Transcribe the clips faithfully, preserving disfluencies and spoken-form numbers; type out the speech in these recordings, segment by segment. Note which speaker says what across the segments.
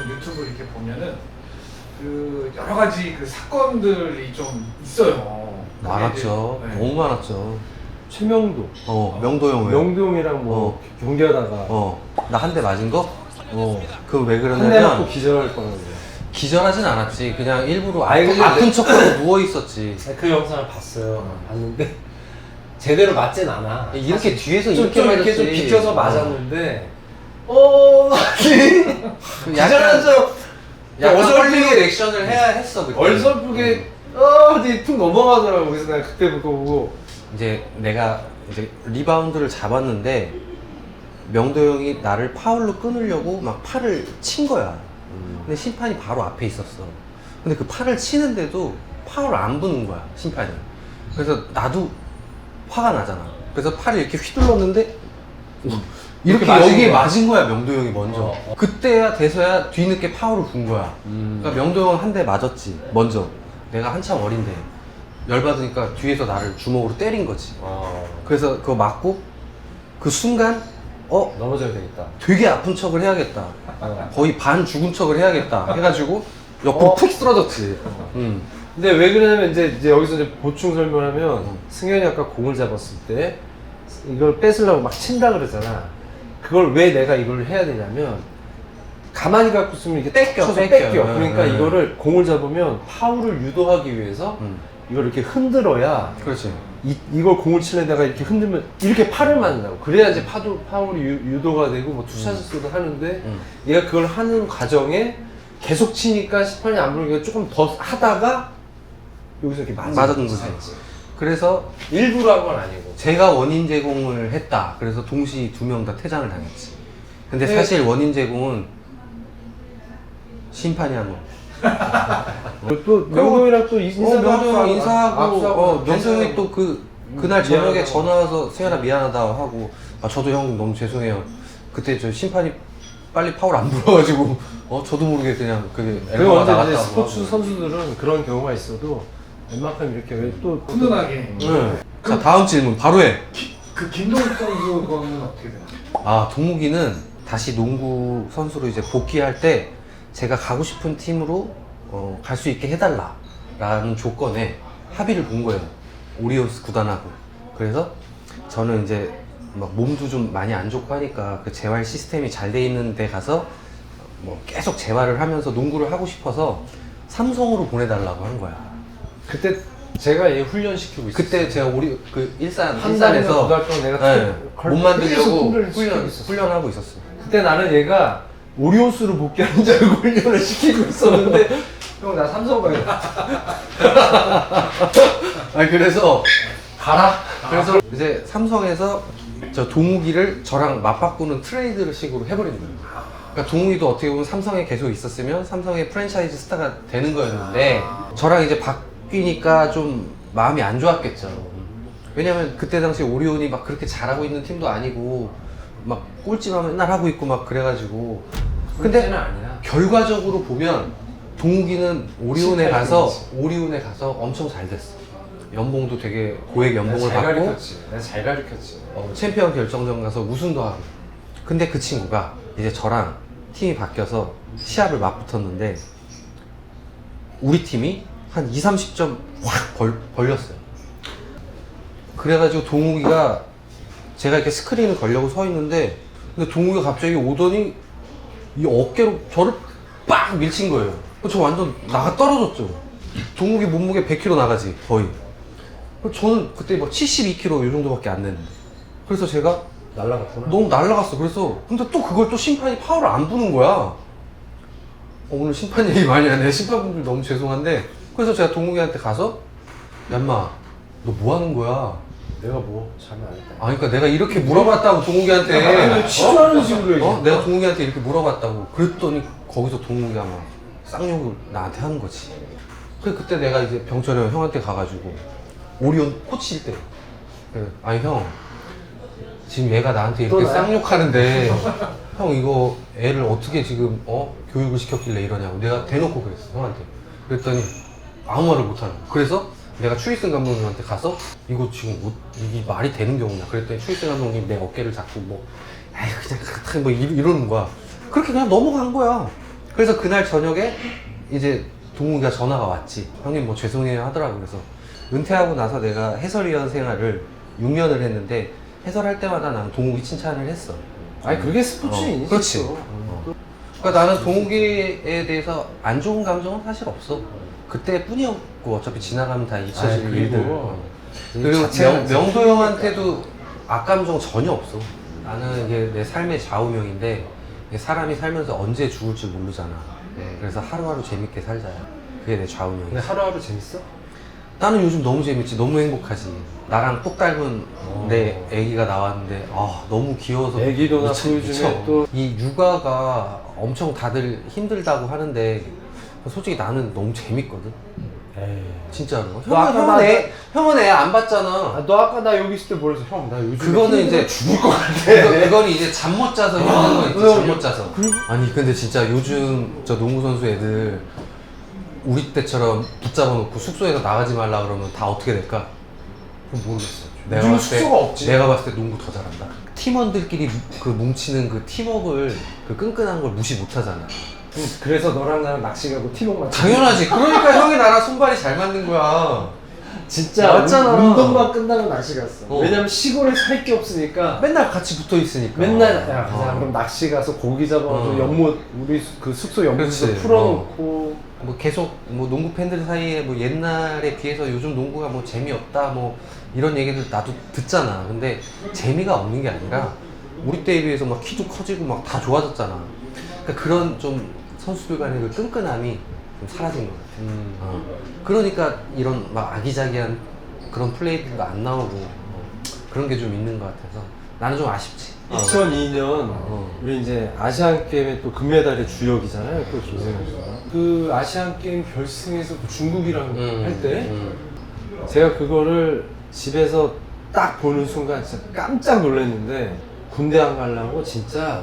Speaker 1: 유튜브 이렇게 보면은 그 여러 가지 그 사건들이 좀 있어요.
Speaker 2: 많았죠.
Speaker 1: 네.
Speaker 2: 너무 많았죠.
Speaker 3: 최명도,
Speaker 2: 어, 명도형 왜?
Speaker 3: 명도형이랑 뭐
Speaker 2: 어.
Speaker 3: 경기하다가
Speaker 2: 어, 나 한 대 맞은 거?
Speaker 3: 어.
Speaker 2: 그거 왜
Speaker 3: 한 대 맞고
Speaker 2: 그러냐면
Speaker 3: 기절할 뻔했는데.
Speaker 2: 기절하진 않았지. 그냥 일부러
Speaker 3: 아니,
Speaker 2: 아픈,
Speaker 3: 근데
Speaker 2: 아픈
Speaker 3: 내-
Speaker 2: 척하고 누워 있었지.
Speaker 3: 그 영상을 봤어요. 봤는데 제대로 맞진 않아.
Speaker 2: 이렇게 뒤에서
Speaker 3: 좀,
Speaker 2: 이렇게
Speaker 3: 좀
Speaker 2: 맞았지.
Speaker 3: 이렇게 좀 비껴서 맞았는데 어,
Speaker 2: 그 약간
Speaker 3: 기절하면서
Speaker 2: 약간
Speaker 3: 어설프게
Speaker 2: 헐리우드 액션을 해야 했어. 그때.
Speaker 3: 얼설프게 어, 어디 툭 넘어가더라고. 그래서 내가 그때 그거 보고
Speaker 2: 이제 내가 이제 리바운드를 잡았는데 명도 형이 나를 파울로 끊으려고 막 팔을 친 거야. 근데 심판이 바로 앞에 있었어. 근데 그 팔을 치는데도 파울을 안 부는 거야, 심판이. 그래서 나도 화가 나잖아. 그래서 팔을 이렇게 휘둘렀는데 이렇게
Speaker 3: 맞은
Speaker 2: 여기에
Speaker 3: 거야.
Speaker 2: 맞은 거야, 명도 형이 먼저.
Speaker 3: 어, 어.
Speaker 2: 그때야 돼서야 뒤늦게 파울을 분 거야.
Speaker 3: 음.
Speaker 2: 그러니까 명도 형은 한 대 맞았지, 먼저. 내가 한참 어린데 열받으니까 뒤에서 나를 주먹으로 때린 거지.
Speaker 3: 어,
Speaker 2: 그래서 그거 맞고 그 순간 어?
Speaker 3: 넘어져야 되겠다.
Speaker 2: 되게 아픈 척을 해야겠다.
Speaker 3: 어.
Speaker 2: 거의 반 죽은 척을 해야겠다 해가지고 옆으로
Speaker 3: 어?
Speaker 2: 푹 쓰러졌지. 음.
Speaker 3: 근데 왜 그러냐면 이제, 이제 여기서 이제 보충 설명하면 승현이 아까 공을 잡았을 때 이걸 뺏으려고 막 친다 그러잖아. 그걸 왜 내가 이걸 해야 되냐면 가만히 갖고 있으면 이렇게
Speaker 2: 뺏겨,
Speaker 3: 쳐서
Speaker 2: 뺏겨.
Speaker 3: 뺏겨.
Speaker 2: 네,
Speaker 3: 그러니까
Speaker 2: 네.
Speaker 3: 이거를 공을 잡으면 파울을 유도하기 위해서
Speaker 2: 음.
Speaker 3: 이걸 이렇게 흔들어야
Speaker 2: 그렇지.
Speaker 3: 이, 이걸 공을 치려다가 이렇게 흔들면 이렇게 팔을 맞는다고. 그래야 이제 파도, 파울이 유, 유도가 되고 뭐 투샷을 하는데
Speaker 2: 음.
Speaker 3: 얘가 그걸 하는 과정에 계속 치니까 심판이 안 부르니까 조금 더 하다가 여기서 이렇게 맞은
Speaker 2: 맞았는 거지. 그래서
Speaker 3: 일부러 한 건 아니고.
Speaker 2: 제가 원인 제공을 했다. 그래서 동시 두 명 다 퇴장을 당했지. 근데
Speaker 3: 네.
Speaker 2: 사실 원인 제공은 심판이 한 거.
Speaker 3: 또 명동이랑 또
Speaker 2: 어,
Speaker 3: 인사도
Speaker 2: 명도 형
Speaker 3: 하고
Speaker 2: 인사하고,
Speaker 3: 악수하고
Speaker 2: 어, 명도 형이
Speaker 3: 괜찮아요.
Speaker 2: 또 그, 그날 저녁에
Speaker 3: 미안하다고.
Speaker 2: 전화 와서 세연아 미안하다 하고, 아, 저도 형 너무 죄송해요. 그때 저 심판이 빨리 파울 안 불어가지고, 어, 저도 모르게 그냥 그게
Speaker 3: 그리고
Speaker 2: 엘보가
Speaker 3: 언제 이제
Speaker 2: 나갔다고.
Speaker 3: 스포츠
Speaker 2: 하고.
Speaker 3: 선수들은 그런 경우가 있어도 웬만큼 이렇게 왜 또
Speaker 1: 훈훈하게.
Speaker 2: 네. 자, 다음 질문 바로 해.
Speaker 1: 그 김동욱 선수 거는 어떻게 되나?
Speaker 2: 아, 동욱이는 다시 농구 선수로 이제 복귀할 때 제가 가고 싶은 팀으로 어, 갈 수 있게 해달라라는 조건에 합의를 본 거예요. 오리온스 구단하고. 그래서 저는 이제 막 몸도 좀 많이 안 좋고 하니까 그 재활 시스템이 잘 돼 있는 데 가서 뭐 계속 재활을 하면서 농구를 하고 싶어서 삼성으로 보내달라고 한 거야.
Speaker 3: 그때 제가 얘 훈련시키고 있었어요.
Speaker 2: 그때 제가 우리 그 일산
Speaker 3: 한 달이나
Speaker 2: 일산에서
Speaker 3: 두 달 동안 내가
Speaker 2: 네,
Speaker 3: 걸-
Speaker 2: 몸 만들려고
Speaker 3: 계속 훈련을 시키고
Speaker 2: 훈련,
Speaker 3: 있었어.
Speaker 2: 훈련하고 있었어요.
Speaker 3: 그때 나는 얘가 오리온스로 복귀하는 줄 알고 훈련을 시키고 있었는데 형 나 삼성 가야
Speaker 2: 아 그래서
Speaker 3: 가라.
Speaker 2: 그래서 이제 삼성에서 저 동욱이를 저랑 맞바꾸는 트레이드를 식으로 해버린 거예요. 그러니까 동욱이도 어떻게 보면 삼성에 계속 있었으면 삼성의 프랜차이즈 스타가 되는 거였는데 저랑 이제 바뀌니까 좀 마음이 안 좋았겠죠. 왜냐면 그때 당시 오리온이 막 그렇게 잘하고 있는 팀도 아니고 막 꼴찌만 맨날 하고 있고 막 그래가지고 근데
Speaker 3: 꼴찌는 아니야.
Speaker 2: 결과적으로 보면 동욱이는 오리온에
Speaker 3: 십팔
Speaker 2: 가서
Speaker 3: 등이지.
Speaker 2: 오리온에 가서 엄청 잘 됐어. 연봉도 되게 고액
Speaker 3: 내가
Speaker 2: 연봉을
Speaker 3: 잘
Speaker 2: 받고
Speaker 3: 가르쳤지. 내가 잘 가르쳤지.
Speaker 2: 어, 챔피언 결정전 가서 우승도 하고. 근데 그 친구가 이제 저랑 팀이 바뀌어서 시합을 맞붙었는데 우리 팀이 한 이, 삼십 점 확 벌, 벌렸어요. 그래가지고 동욱이가 제가 이렇게 스크린을 걸려고 서 있는데 근데 동욱이가 갑자기 오더니 이 어깨로 저를 빡 밀친 거예요. 저 완전 나가 떨어졌죠. 동욱이 몸무게 백 킬로그램 나가지 거의. 저는 그때 막 칠십이 킬로그램 이 정도밖에 안 됐는데 그래서 제가
Speaker 3: 날라갔구나.
Speaker 2: 너무 날라갔어. 그래서 근데 또 그걸 또 심판이 파울을 안 부는 거야. 어, 오늘 심판 얘기 많이 하네. 심판분들 너무 죄송한데 그래서 제가 동욱이한테 가서 야 인마 너 뭐 하는 거야?
Speaker 3: 내가 뭐 잘못 안 했다.
Speaker 2: 아니 그러니까 내가 이렇게 물어봤다고 동욱이한테
Speaker 3: 치료하는 식으로 얘기해.
Speaker 2: 어? 내가 동욱이한테 이렇게 물어봤다고 그랬더니 거기서 동욱이가 막 쌍욕을 나한테 하는 거지. 그래 그때 내가 이제 병철이 형 형한테 가가지고 오리온 코치일 때 그래, 아니 형 지금 얘가 나한테 이렇게
Speaker 3: 또 나야?
Speaker 2: 쌍욕하는데 형 이거 애를 어떻게 지금 어 교육을 시켰길래 이러냐고 내가 대놓고 그랬어 형한테. 그랬더니 아무 말을 못하는 거야. 그래서 내가 추이승 감독님한테 가서 이거 지금 뭐, 이게 말이 되는 경우냐 그랬더니 추이승 감독님 내 어깨를 잡고 뭐 에이 그냥 그렇다 뭐 이- 이러는 거야. 그렇게 그냥 넘어간 거야. 그래서 그날 저녁에 이제 동욱이가 전화가 왔지. 형님 뭐 죄송해요 하더라고. 그래서 은퇴하고 나서 내가 해설위원 생활을 육 년을 했는데 해설할 때마다 나는 동욱이 칭찬을 했어.
Speaker 3: 아니 그게 스포츠인이지.
Speaker 2: 어, 그렇지. 어. 그러니까 나는 동욱이에 대해서 안 좋은 감정은 사실 없어. 그때뿐이었고 어차피 지나가면 다 잊혀질
Speaker 3: 아이,
Speaker 2: 일들.
Speaker 3: 그리고
Speaker 2: 어. 그리고
Speaker 3: 자체가
Speaker 2: 명, 명도 형한테도 악감정 전혀 없어. 나는 이게 내 삶의 좌우명인데 이게 사람이 살면서 언제 죽을지 모르잖아. 그래서 하루하루 재밌게 살자. 그게 내 좌우명이야.
Speaker 3: 근데 하루하루 재밌어?
Speaker 2: 나는 요즘 너무 재밌지. 너무 행복하지. 나랑 똑 닮은
Speaker 3: 어.
Speaker 2: 내 애기가 나왔는데 아 너무 귀여워서
Speaker 3: 애기도
Speaker 2: 미쳐,
Speaker 3: 낳고
Speaker 2: 미쳐.
Speaker 3: 요즘에 또
Speaker 2: 이 육아가 엄청 다들 힘들다고 하는데 솔직히 나는 너무 재밌거든.
Speaker 3: 에이.
Speaker 2: 진짜로.
Speaker 3: 너
Speaker 2: 형은,
Speaker 3: 아까
Speaker 2: 형은,
Speaker 3: 나-
Speaker 2: 애, 형은 애 안 봤잖아.
Speaker 3: 아, 너 아까 나 여기 있을 때 뭐랬어? 형, 나 요즘
Speaker 2: 그거는 이제
Speaker 3: 죽을 것 같아.
Speaker 2: 그거, 그건 이제 잠 못 자서 힘든 거 있지.
Speaker 3: 어,
Speaker 2: 잠 못 자서. 아니 근데 진짜 요즘 저 농구 선수 애들 우리 때처럼 붙잡아 놓고 숙소에서 나가지 말라 그러면 다 어떻게 될까?
Speaker 3: 그건 모르겠어.
Speaker 2: 내가
Speaker 3: 요즘
Speaker 2: 봤을 때-
Speaker 3: 숙소가 없지.
Speaker 2: 내가 봤을 때 농구 더 잘한다. 팀원들끼리 그 뭉치는 그 팀워크를 그 끈끈한 걸 무시 못 하잖아.
Speaker 3: 응, 그래서 너랑 나랑 낚시 가고 팀워크 맞
Speaker 2: 당연하지. 그러니까 형이 나랑 손발이 잘 맞는 거야.
Speaker 3: 진짜
Speaker 2: 맞잖아.
Speaker 3: 운- 운동만 끝나고 낚시 갔어.
Speaker 2: 어.
Speaker 3: 왜냐면 시골에서 할 게 없으니까
Speaker 2: 맨날 같이 붙어 있으니까.
Speaker 3: 맨날 야 가자
Speaker 2: 어.
Speaker 3: 그럼 낚시 가서 고기 잡아서
Speaker 2: 어.
Speaker 3: 연못 우리 수- 그 숙소 연못에서
Speaker 2: 그렇지.
Speaker 3: 풀어놓고
Speaker 2: 뭐 계속 뭐 농구 팬들 사이에 뭐 옛날에 비해서 요즘 농구가 뭐 재미없다 뭐 이런 얘기들 나도 듣잖아. 근데 재미가 없는 게 아니라 우리 때에 비해서 막 키도 커지고 막 다 좋아졌잖아. 그러니까 그런 좀 선수들 간의 그 끈끈함이 좀 사라진 것 같아.
Speaker 3: 음.
Speaker 2: 어. 그러니까 이런 막 아기자기한 그런 플레이들도 안 나오고 어. 그런 게 좀 있는 것 같아서 나는 좀 아쉽지. 어.
Speaker 3: 이천이 년
Speaker 2: 어.
Speaker 3: 우리 이제 아시안 게임의 또 금메달의 주역이잖아요. 또 김승현 선수가. 그 아시안 게임 결승에서 그 중국이랑
Speaker 2: 음,
Speaker 3: 할 때
Speaker 2: 음.
Speaker 3: 제가 그거를 집에서 딱 보는 순간 진짜 깜짝 놀랐는데 군대 안 가려고 진짜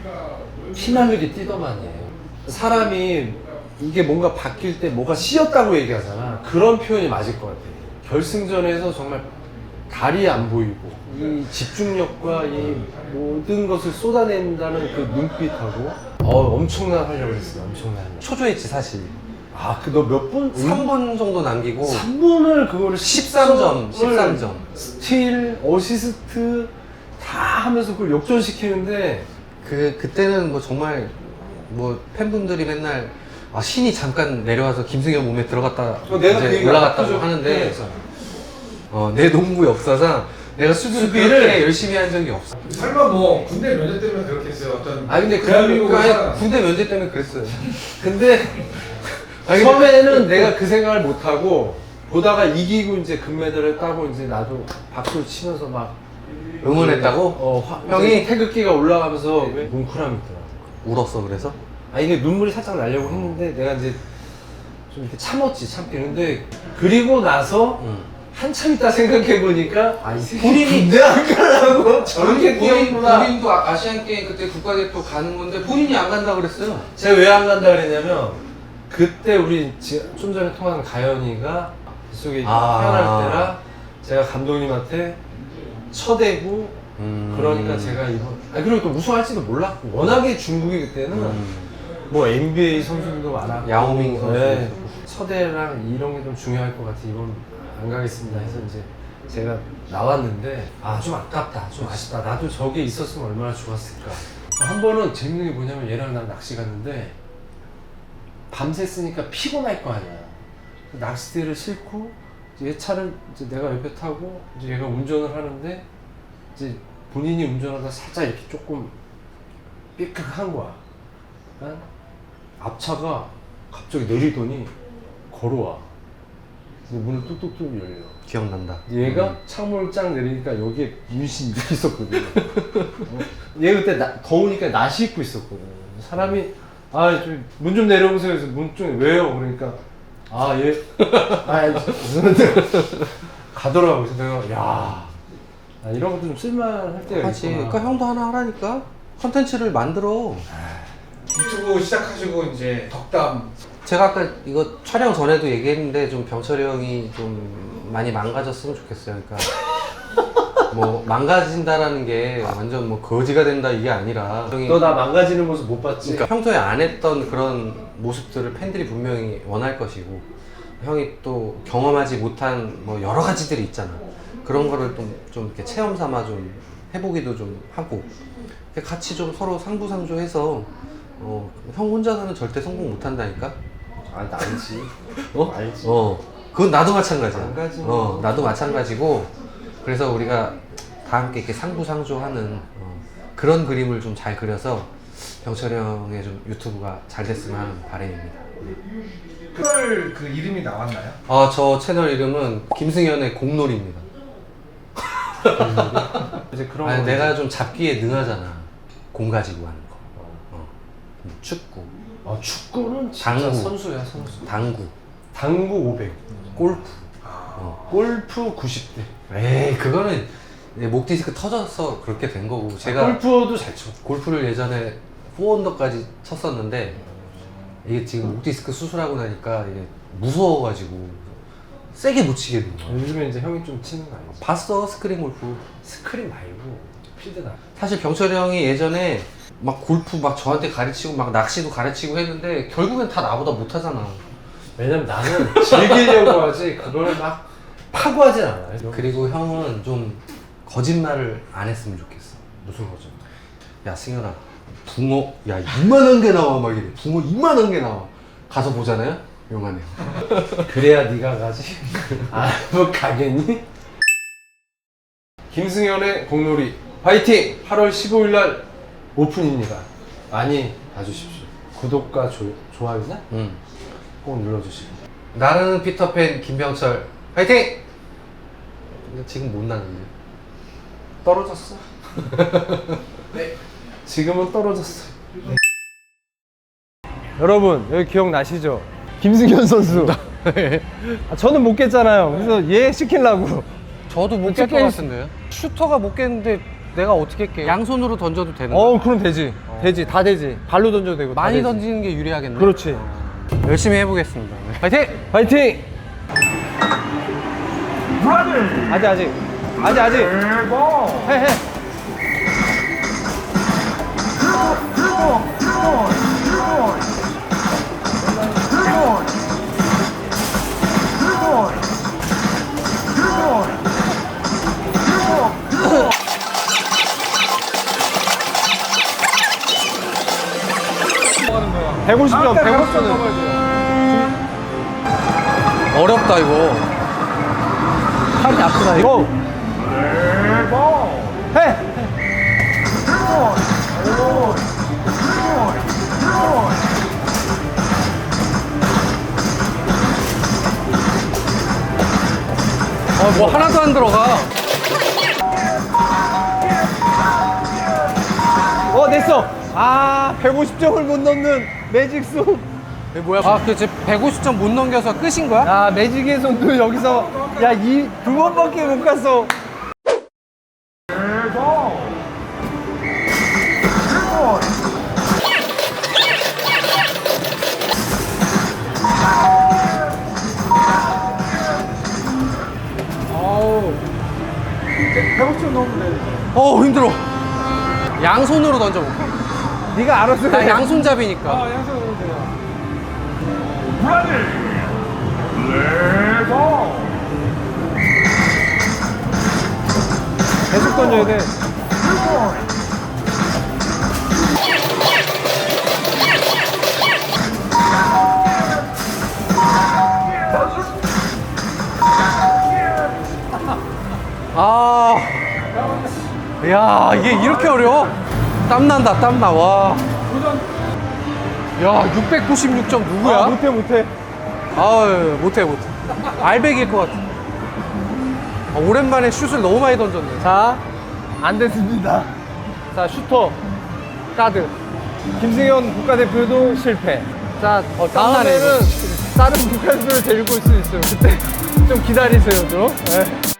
Speaker 3: 피날리게 뛰더만이에요. 사람이 이게 뭔가 바뀔 때 뭐가 씌었다고 얘기하잖아. 그런 표현이 맞을 것 같아. 결승전에서 정말 달이 안 보이고 이 집중력과 이 모든 것을 쏟아낸다는 그 눈빛하고 어 엄청난 활약을 했어. 엄청난 활약.
Speaker 2: 초조했지 사실.
Speaker 3: 아, 그 너 몇 분?
Speaker 2: 삼 분 정도 남기고
Speaker 3: 삼 분을 그거를
Speaker 2: 십삼 점, 십삼 점.
Speaker 3: 스틸, 어시스트 다 하면서 그걸 역전시키는데
Speaker 2: 그 그때는 뭐 정말 뭐 팬분들이 맨날 아 신이 잠깐 내려와서 김승현 몸에 들어갔다
Speaker 3: 어, 내가
Speaker 2: 이제
Speaker 3: 그 얘기
Speaker 2: 올라갔다고
Speaker 3: 아까
Speaker 2: 하는데
Speaker 3: 그랬잖아.
Speaker 2: 어, 내 농구 역사상 내가 수비를
Speaker 3: 수비를
Speaker 2: 그렇게 열심히 한 적이 없어.
Speaker 1: 설마 뭐 군대 면접 때문에 그렇게 했어요? 어떤
Speaker 2: 아 근데
Speaker 1: 대한민국에서
Speaker 2: 그러니까 군대 면제 때문에 그랬어요.
Speaker 3: 근데
Speaker 2: 아니,
Speaker 3: 처음에는 내가 그 생각을 못 하고 보다가 이기고 이제 금메달을 따고 이제 나도 박수를 치면서 막
Speaker 2: 응원했다고?
Speaker 3: 어, 화,
Speaker 2: 형이?
Speaker 3: 형이 태극기가 올라가면서 뭉클함이 있더라고.
Speaker 2: 울었어 그래서?
Speaker 3: 아 이게 눈물이 살짝 나려고 했는데 내가 이제 좀 이렇게 참았지 참기. 근데 그리고 나서
Speaker 2: 응.
Speaker 3: 한참 있다 생각해 보니까 아, 이 새끼
Speaker 2: 본인이-
Speaker 3: 군대 안 가려고 저렇게 뛰었구나.
Speaker 2: 본인도 아- 아시안 게임 그때 국가대표 가는 건데 본인이 안 간다 그랬어요.
Speaker 3: 제가 왜 안 간다 그랬냐면 그때 우리 지- 좀 전에 통화한 가연이가 뱃속에
Speaker 2: 아.
Speaker 3: 태어날 때라 제가 감독님한테 쳐대고
Speaker 2: 음.
Speaker 3: 그러니까 제가 이번 아 그리고 또 우승할지도 몰랐고 워낙에 중국이 그때는
Speaker 2: 음.
Speaker 3: 뭐 엔비에이 선수들도 많았고
Speaker 2: 야오밍 선수.
Speaker 3: 네. 처대랑 이런 게 좀 중요할 것 같아 이번 안 가겠습니다 해서 이제 제가 나왔는데 아 좀 아깝다 좀 아쉽다 나도 저게 있었으면 얼마나 좋았을까. 한 번은 재밌는 게 뭐냐면 얘랑 난 낚시 갔는데 밤새 쓰니까 피곤할 거 아니야. 낚싯대를 싣고 이제 얘 차를 이제 내가 옆에 타고 이제 얘가 운전을 하는데 이제 본인이 운전하다 살짝 이렇게 조금 삐끗한 거야. 그러니까 앞차가 갑자기 내리더니 걸어와. 근데 문을 뚝뚝뚝 열려.
Speaker 2: 기억난다.
Speaker 3: 얘가
Speaker 2: 음.
Speaker 3: 창문을 쫙 내리니까 여기에 문신이 이렇게 있었거든. 어? 얘 그때 나, 더우니까 나시 입고 있었거든. 사람이 아, 문 좀 내려보세요. 그래서 문 좀 왜요? 그러니까 아, 얘 아, 무슨 가더라고. 그래서 내가 야, 아, 이런 것도 좀 쓸만할 때가
Speaker 2: 하지.
Speaker 3: 있구나.
Speaker 2: 그러니까 형도 하나 하라니까. 컨텐츠를 만들어.
Speaker 1: 유튜브 시작하시고 이제 덕담
Speaker 2: 제가 아까 이거 촬영 전에도 얘기했는데 좀 병철이 형이 좀 많이 망가졌으면 좋겠어요. 그러니까 뭐 망가진다라는 게 완전 뭐 거지가 된다 이게 아니라 형이
Speaker 3: 너 나 망가지는 모습 못 봤지?
Speaker 2: 그러니까 평소에 안 했던 그런 모습들을 팬들이 분명히 원할 것이고 형이 또 경험하지 못한 뭐 여러 가지들이 있잖아. 그런 거를 좀, 좀 이렇게 체험 삼아 좀 해보기도 좀 하고 같이 좀 서로 상부상조해서 어, 형 혼자서는 절대 성공 못 한다니까?
Speaker 3: 아, 알지.
Speaker 2: 어?
Speaker 3: 알지.
Speaker 2: 어. 그건 나도 마찬가지야.
Speaker 3: 망가지는
Speaker 2: 어, 나도 마찬가지고 그래서 우리가 다 함께 이렇게 상부상조하는 어, 그런 그림을 좀 잘 그려서 병철이 형의 좀 유튜브가 잘 됐으면 하는 바람입니다.
Speaker 1: 채널 그 이름이 나왔나요?
Speaker 2: 아, 저 채널 이름은 김승현의 공놀이입니다.
Speaker 3: 이제 그런
Speaker 2: 아니,
Speaker 3: 거
Speaker 2: 내가 좀 잡기에 능하잖아. 공 가지고 하는 거. 어. 음, 축구,
Speaker 3: 아, 축구는 진짜
Speaker 2: 당구.
Speaker 3: 선수야, 선수.
Speaker 2: 당구,
Speaker 3: 당구 오백,
Speaker 2: 골프. 어.
Speaker 3: 골프 구십 대.
Speaker 2: 에이, 그거는 이제 목 디스크 터져서 그렇게 된 거고. 제가
Speaker 3: 골프도 잘 쳐.
Speaker 2: 골프를 예전에 포언더까지 쳤었는데 이게 지금 목 디스크 수술하고 나니까 이게 무서워가지고 세게 못 치게 된 거야.
Speaker 3: 요즘에 이제 형이 좀 치는 거 아니지?
Speaker 2: 봤어, 스크린 골프.
Speaker 3: 스크린 말고 필드나.
Speaker 2: 사실 병철이 형이 예전에 막 골프 막 저한테 가르치고 막 낚시도 가르치고 했는데 결국엔 다 나보다 못하잖아.
Speaker 3: 왜냐면 나는 즐기려고 하지 그걸 막 파고하진 않아요.
Speaker 2: 그리고 형은 좀 거짓말을 안 했으면 좋겠어.
Speaker 3: 무슨 거죠?
Speaker 2: 야, 승현아, 붕어 야 이만한 게 나와. 막 이래. 붕어 이만한 게 나와. 가서 보잖아요. 용하네.
Speaker 3: 그래야 네가 가지. 아, 뭐 가겠니? 김승현의 공놀이 파이팅! 팔월 십오일 날 오픈입니다. 많이 봐주십시오. 구독과 조, 좋아요나
Speaker 2: 응.
Speaker 3: 꼭 눌러주시고.
Speaker 2: 나는 피터팬 김병철 파이팅! 근데 지금 못 나는데.
Speaker 3: 떨어졌어. 네. 지금은 떨어졌어. 네. 여러분 여기 기억나시죠? 김승현 선수. 아, 저는 못 깼잖아요. 그래서 얘 시키려고.
Speaker 2: 저도 못 깰 것 같은데요? 슈터가 못 깼는데 내가 어떻게 깨? 양손으로 던져도 되는 거야?
Speaker 3: 어 그럼 되지. 되지 다 되지. 발로 던져도 되고. 다
Speaker 2: 많이
Speaker 3: 되지.
Speaker 2: 던지는 게 유리하겠네.
Speaker 3: 그렇지.
Speaker 2: 열심히 해보겠습니다. 파이팅!
Speaker 3: 파이팅! 아직 아직 아직 아직 해 해. 백오십 점, 백오십 점은
Speaker 2: 어렵다 이거.
Speaker 3: 팔이 아프다 이거. 해.
Speaker 2: 어, 뭐 하나도 안 들어가.
Speaker 3: 어 됐어. 아 백오십 점을 못 넣는 매직 손.
Speaker 2: 뭐야? 아, 그치. 백오십 점 못 넘겨서 끝인 거야?
Speaker 3: 야 매직의 손도 여기서 야 이 두 번밖에 못 갔어. 백오십 점 넘으면 돼.
Speaker 2: 어, 힘들어. 양손으로 던져볼게.
Speaker 3: 네가 알아서
Speaker 2: 나
Speaker 3: 해.
Speaker 2: 양손잡이니까.
Speaker 3: 양손으로 넣으면 돼요. 계속 던져야 돼.
Speaker 2: 아, 야, 이게 이렇게 어려워? 땀난다, 땀나, 와. 야, 육백구십육 점 누구야?
Speaker 3: 아, 못해 못해.
Speaker 2: 아유, 못해, 못해. 알백일 것 같아. 아, 오랜만에 슛을 너무 많이 던졌네.
Speaker 3: 자, 안 됐습니다. 자, 슈터, 가드. 김승현 국가대표도 실패. 자,
Speaker 2: 어, 땀나네,
Speaker 3: 다음에는 다른 국가대표를 데리고 올 수 있어요. 그때 좀 기다리세요, 좀. 네.